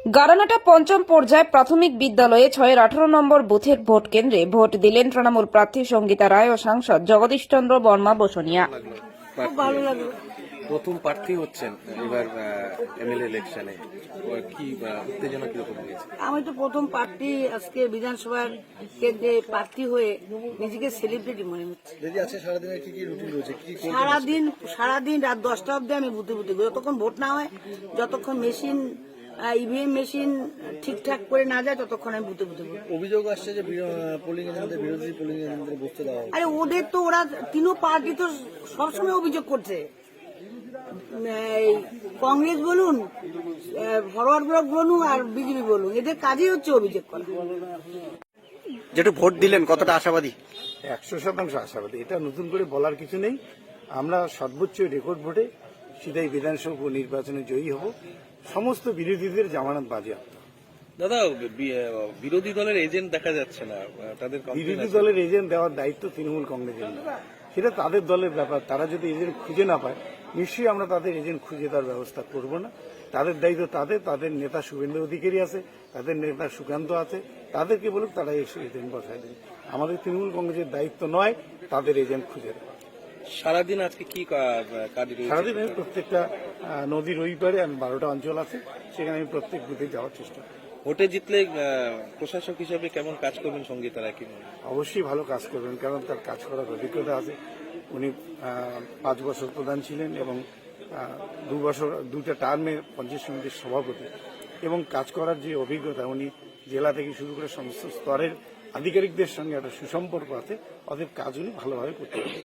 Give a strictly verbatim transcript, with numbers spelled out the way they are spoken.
গারানাটা পঞ্চম পর্যায়ে প্রাথমিক বিদ্যালয়ে ছয়ের আঠারো নম্বর বুথের ভোট কেন্দ্রে ভোট দিলেন তৃণমূল প্রার্থী সঙ্গীতা রায় ও সাংসদ জগদীশ চন্দ্র বর্মা বসুনিয়া। খুব ভালো লাগলো। প্রথম প্রার্থী হচ্ছেন এবার এমএলএ ইলেকশনে, কি উত্তেজনা কিরকম হয়েছে? আমি তো প্রথম প্রার্থী আজকে বিধানসভার কেন্দ্রে প্রার্থী হয়ে নিজেকে সেলিব্রিটি মনে হচ্ছে। সারাদিনের কি কি রুটিন রয়েছে? সারাদিন সারাদিন রাত দশটা অব্দি আমি বুথে বুথে যতক্ষণ ভোট না হয়, যতক্ষণ মেশিন ইভিএম মেশিন ঠিকঠাক করে না যায়, ততক্ষণ আমি বুথে বুথে বসবো। অভিযোগ আসছে যে পোলিং এজেন্টদের বিরোধী পোলিং এজেন্টদের বসতে দেওয়া হয়। আরে ওদের তো ওরা তিনও পার্টি তো সবসময় অভিযোগ করছে, কংগ্রেস বলুন, ফরওয়ার্ড ব্লক বলুন আর বিজেপি বলুন, এদের কাজই হচ্ছে অভিযোগ করা। যেটা ভোট দিলেন কতটা আশাবাদী? একশো শতাংশ আশাবাদী। এটা নতুন করে বলার কিছু নেই। আমরা সর্বোচ্চ রেকর্ড ভোটে সিধাই বিধানসভা নির্বাচনে জয়ী হব। সমস্ত বিরোধীদের জামানত বাজেয়াপ্ত। দাদা, বিরোধী দলের এজেন্ট দেখা যাচ্ছে না, তাদের বিরোধী দলের এজেন্ট দেওয়ার দায়িত্ব তৃণমূল কংগ্রেসের না, সেটা তাদের দলের ব্যাপার। তারা যদি এজেন্ট খুঁজে না পায়, নিশ্চয়ই আমরা তাদের এজেন্ট খুঁজে দেওয়ার ব্যবস্থা করব না। তাদের দায়িত্ব তাদের, তাদের নেতা শুভেন্দু অধিকারী আছে, তাদের নেতা সুকান্ত আছে, তাদেরকে বলুক তারা এসে এজেন্ট বসায় দেবে। আমাদের তৃণমূল কংগ্রেসের দায়িত্ব নয় তাদের এজেন্ট খুঁজে দেওয়া। সারাদিন আজকে কি কাজ? সারাদিন আমি প্রত্যেকটা নদীর ওই পারে, আমি বারোটা অঞ্চল আছে, সেখানে আমি প্রত্যেক বুথে যাওয়ার চেষ্টা করি। ভোটে জিতলে প্রশাসক হিসেবে কেমন কাজ করবেন সঙ্গীতা রায়? কি অবশ্যই ভালো কাজ করবেন, কারণ তার কাজ করার অভিজ্ঞতা আছে। উনি পাঁচ বছর প্রধান ছিলেন এবং দু বছর দুইটা টার্মে পঞ্চায়েত সমিতির সভাপতি, এবং কাজ করার যে অভিজ্ঞতা, উনি জেলা থেকে শুরু করে সমস্ত স্তরের আধিকারিকদের সঙ্গে একটা সুসম্পর্ক আছে, অতএব কাজ উনি ভালোভাবে করতে পারেন।